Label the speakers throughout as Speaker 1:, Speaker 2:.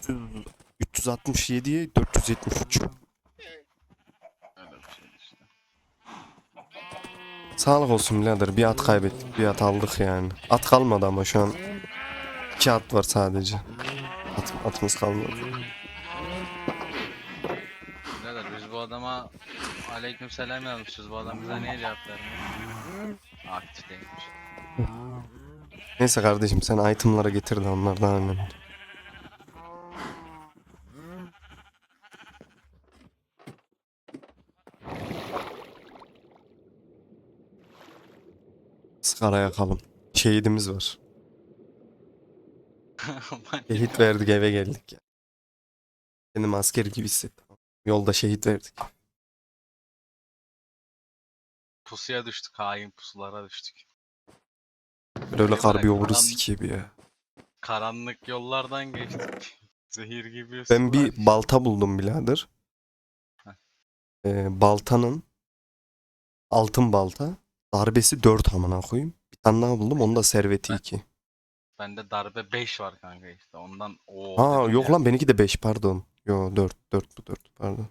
Speaker 1: 367'ye 473.
Speaker 2: Öyle bir şey işte.
Speaker 1: Sağlık olsun birader. Bir at kaybettik, bir at aldık yani. At kalmadı ama şu an 2 at var sadece. Atımız kalmadı.
Speaker 2: Birader biz bu adama aleykümselam yazmışız. Bu adam bize niye cevap vermiyor? Aktif değilmiş.
Speaker 1: Neyse kardeşim sen itemlara getir de onlar daha önemli. Sigara yakalım. Şehidimiz var. Şehit verdik eve geldik ya. Kendimi asker gibi hissettim. Yolda şehit verdik.
Speaker 2: Pusuya düştük. Hain pusulara düştük.
Speaker 1: Böyle
Speaker 2: Böyle
Speaker 1: karbi vururuz sikiyor bir ya.
Speaker 2: karanlık yollardan geçtik. Zehir gibi
Speaker 1: Ben
Speaker 2: sular
Speaker 1: bir
Speaker 2: içtik.
Speaker 1: balta buldum birader.
Speaker 2: Heh.
Speaker 1: Baltanın altın balta. Darbesi 4 amına koyayım. Bir tane daha buldum. Onun da serveti
Speaker 2: Ben,
Speaker 1: 2.
Speaker 2: bende darbe 5 var kanka işte. Ondan o
Speaker 1: Ha
Speaker 2: dedim
Speaker 1: yok
Speaker 2: ya.
Speaker 1: lan benimki de 5 pardon. Yo 4 bu 4 pardon.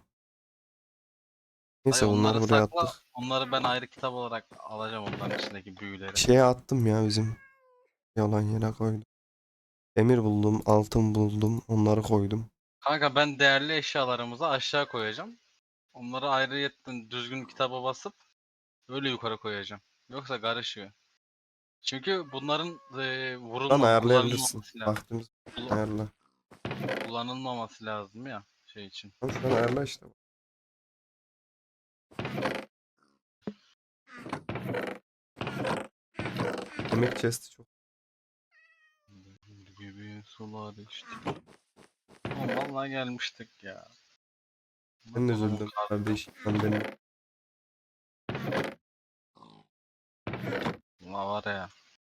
Speaker 2: Dayı
Speaker 1: Neyse bunları
Speaker 2: onları
Speaker 1: buraya
Speaker 2: sakla.
Speaker 1: attık.
Speaker 2: Onları ben ayrı kitap olarak alacağım onların içindeki büyüleri.
Speaker 1: Şeye attım ya bizim yalan yere koydum. Demir buldum, altın buldum. Onları koydum.
Speaker 2: Kanka ben değerli eşyalarımızı aşağı koyacağım. Onları ayrıyetten düzgün kitaba basıp öyle yukarı koyacağım. Yoksa karışıyor. Çünkü bunların
Speaker 1: Lan ayarlayabilirsin.
Speaker 2: kullanılmaması lazım.
Speaker 1: Vaktimiz
Speaker 2: Kullan-
Speaker 1: ayarla.
Speaker 2: kullanılmaması lazım ya şey için.
Speaker 1: Lan şu an ayarla işte. Yemek chest'i çok.
Speaker 2: Gibi sular işte. Oğlum vallahi gelmiştik ya.
Speaker 1: Ben de
Speaker 2: Kodumun
Speaker 1: üzüldüm kardeş. Sen benim.
Speaker 2: karnına var ya.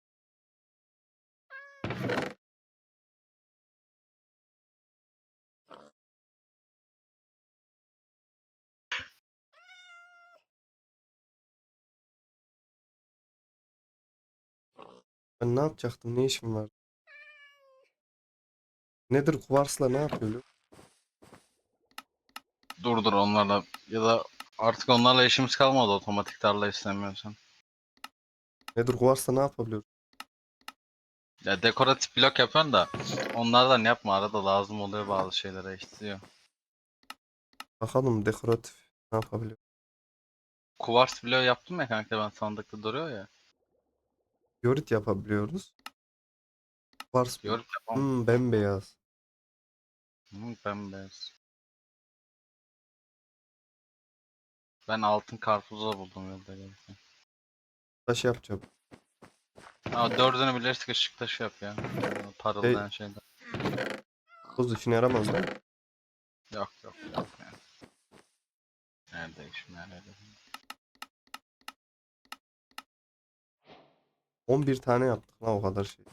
Speaker 1: Ben ne yapacaktım? Ne işim var? Nedir kuvarsla ne yapıyor?
Speaker 2: Dur onlarla ya da artık onlarla işimiz kalmadı otomatik tarla istemiyorsan.
Speaker 1: Nedir kuvarsla ne yapabiliyor?
Speaker 2: Ya dekoratif blok yapıyorsun da onlardan yapma arada lazım oluyor bazı şeylere istiyor.
Speaker 1: Bakalım dekoratif ne yapabiliyor?
Speaker 2: Kuvars bloğu yaptım ya kanka ben sandıkta duruyor ya.
Speaker 1: Yorit yapabiliyoruz. Kuvars blok.
Speaker 2: Yorum yapamam.
Speaker 1: Bembeyaz.
Speaker 2: Bembeyaz. Ben altın karpuzu buldum yolda gelirken.
Speaker 1: Taş yapacağım.
Speaker 2: Dördünü birleştik ışık taşı yap ya.
Speaker 1: Şey,
Speaker 2: Parıldayan şeyden.
Speaker 1: toz işine yaramaz da.
Speaker 2: Yok yani. Nerede işim nerede?
Speaker 1: 11 tane yaptık la o kadar şey.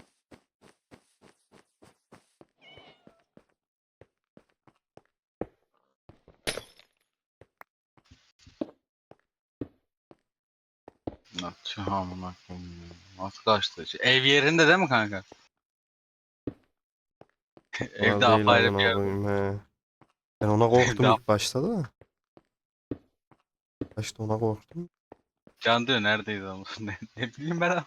Speaker 2: Nasıl amına koyayım ya? Nasıl kaçtı? Ev yerinde değil mi kanka?
Speaker 1: Onlar
Speaker 2: Evde
Speaker 1: değil
Speaker 2: apayrı bir
Speaker 1: amına
Speaker 2: yerde.
Speaker 1: koyayım he. Ben ona
Speaker 2: Evde
Speaker 1: korktum ilk başta da. Başta ona korktum.
Speaker 2: Can diyor neredeyiz ama ne bileyim ben.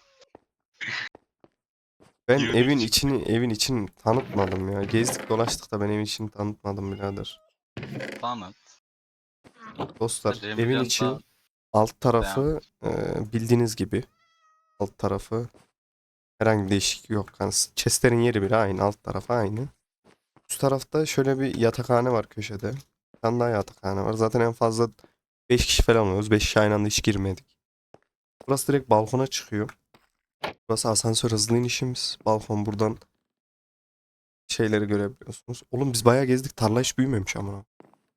Speaker 1: Ben
Speaker 2: Girdik çıktık
Speaker 1: evin içini tanıtmadım ya. Gezdik dolaştık da ben evin içini tanıtmadım birader.
Speaker 2: sanat.
Speaker 1: Dostlar evin
Speaker 2: Cemilcan
Speaker 1: içi
Speaker 2: da
Speaker 1: alt
Speaker 2: devam.
Speaker 1: tarafı bildiğiniz gibi alt tarafı herhangi bir değişiklik yok. Yani chestlerin yeri bile aynı alt tarafı aynı. Üst tarafta şöyle bir yatakhane var köşede. Bir tane daha yatakhane var. Zaten en fazla 5 kişi falan oluyoruz. 5 kişi aynı anda hiç girmedik. Burası direkt balkona çıkıyor. Burası asansör hızlı inişimiz. Balkon buradan şeyleri görebiliyorsunuz. Oğlum biz bayağı gezdik. Tarla hiç büyümemiş ama.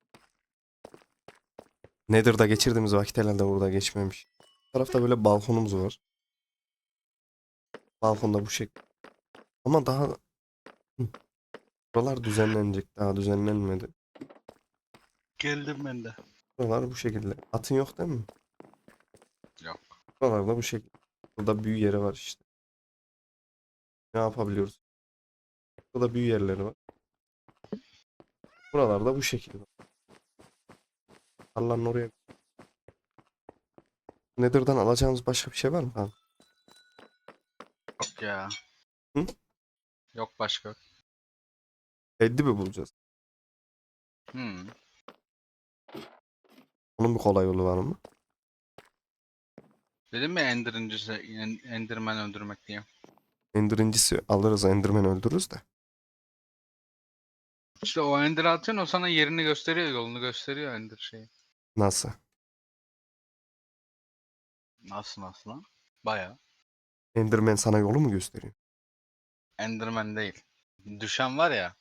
Speaker 1: Nether'da geçirdiğimiz vakit herhalde burada geçmemiş. Bu tarafta böyle balkonumuz var. Balkonda bu şekilde. Ama daha Hı, buralar düzenlenecek. Daha düzenlenmedi.
Speaker 2: Geldim ben de.
Speaker 1: Buralar bu şekilde. Atın yok değil mi?
Speaker 2: Yok.
Speaker 1: Buralar da bu şekilde. Burada büyü yeri var işte. Ne yapabiliyoruz? Burada büyü yerleri var. Buralarda bu şekilde. Tarlanın oraya. Nether'dan alacağımız başka bir şey var mı abi?
Speaker 2: Yok ya.
Speaker 1: Hı?
Speaker 2: Yok başka.
Speaker 1: Reddi mi bulacağız?
Speaker 2: Hmm.
Speaker 1: Onun bir kolay yolu var mı?
Speaker 2: Dedim mi Enderman öldürmek diye.
Speaker 1: Ender'incisi alırız, Enderman öldürürüz de.
Speaker 2: İşte o Ender'ı atıyorsun, o sana yerini gösteriyor, yolunu gösteriyor Ender şeyi.
Speaker 1: Nasıl?
Speaker 2: Nasıl lan? Baya.
Speaker 1: Enderman sana yolu mu gösteriyor?
Speaker 2: Enderman değil. Düşen var ya.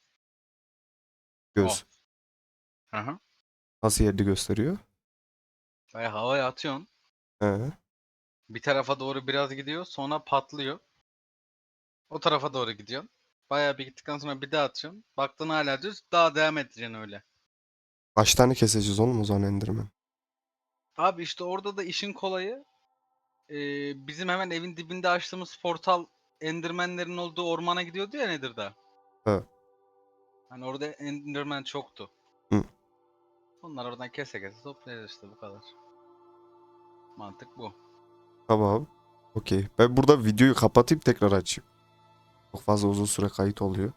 Speaker 2: O.
Speaker 1: Göz.
Speaker 2: Hı hı.
Speaker 1: Nasıl yerini gösteriyor?
Speaker 2: Baya havaya atıyorsun.
Speaker 1: He.
Speaker 2: Bir tarafa doğru biraz gidiyor, sonra patlıyor. O tarafa doğru gidiyorsun. Bayağı bir gittikten sonra bir daha atıyorsun. Baktın hala düz, daha devam edeceksin öyle.
Speaker 1: Kaç tane keseceğiz oğlum o zaman Enderman?
Speaker 2: Abi işte orada da işin kolayı, bizim hemen evin dibinde açtığımız portal Enderman'lerin olduğu ormana gidiyordu ya Nether'da.
Speaker 1: He.
Speaker 2: Hani orada Enderman çoktu.
Speaker 1: Hı.
Speaker 2: Onlar oradan kese kese toplayacağız işte, bu kadar. Mantık bu.
Speaker 1: Tamam. Okey. Ben burada videoyu kapatayım tekrar açayım. Çok fazla uzun süre kayıt oluyor.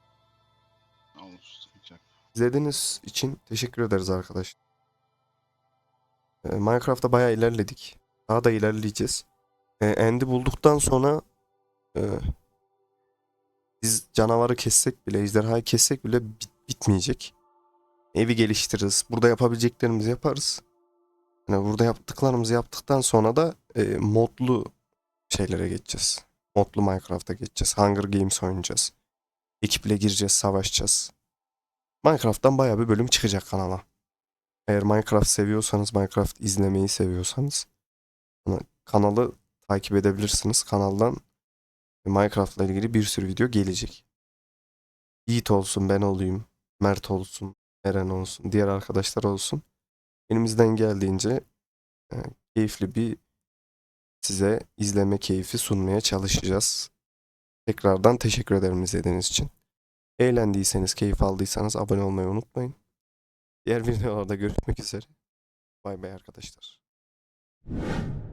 Speaker 2: Olur, sıkıntı yok.
Speaker 1: İzlediğiniz için teşekkür ederiz arkadaşlar. Minecraft'ta bayağı ilerledik. Daha da ilerleyeceğiz. End'i bulduktan sonra e, biz canavarı kessek bile, ejderhayı kessek bile bitmeyecek. Evi geliştiririz. Burada yapabileceklerimizi yaparız. Yani burada yaptıklarımızı yaptıktan sonra da modlu şeylere geçeceğiz. Modlu Minecraft'a geçeceğiz. Hunger Games oynayacağız. Ekiple gireceğiz, savaşacağız. Minecraft'tan bayağı bir bölüm çıkacak kanala. Eğer Minecraft seviyorsanız, Minecraft izlemeyi seviyorsanız kanalı takip edebilirsiniz. Kanaldan Minecraft'la ilgili bir sürü video gelecek. Yiğit olsun, ben olayım, Mert olsun, Eren olsun, diğer arkadaşlar olsun. Elimizden geldiğince e, keyifli bir size izleme keyfi sunmaya çalışacağız. Tekrardan teşekkür ederim izlediğiniz için. Eğlendiyseniz, keyif aldıysanız abone olmayı unutmayın. Diğer videolarda görüşmek üzere. Bay bay arkadaşlar.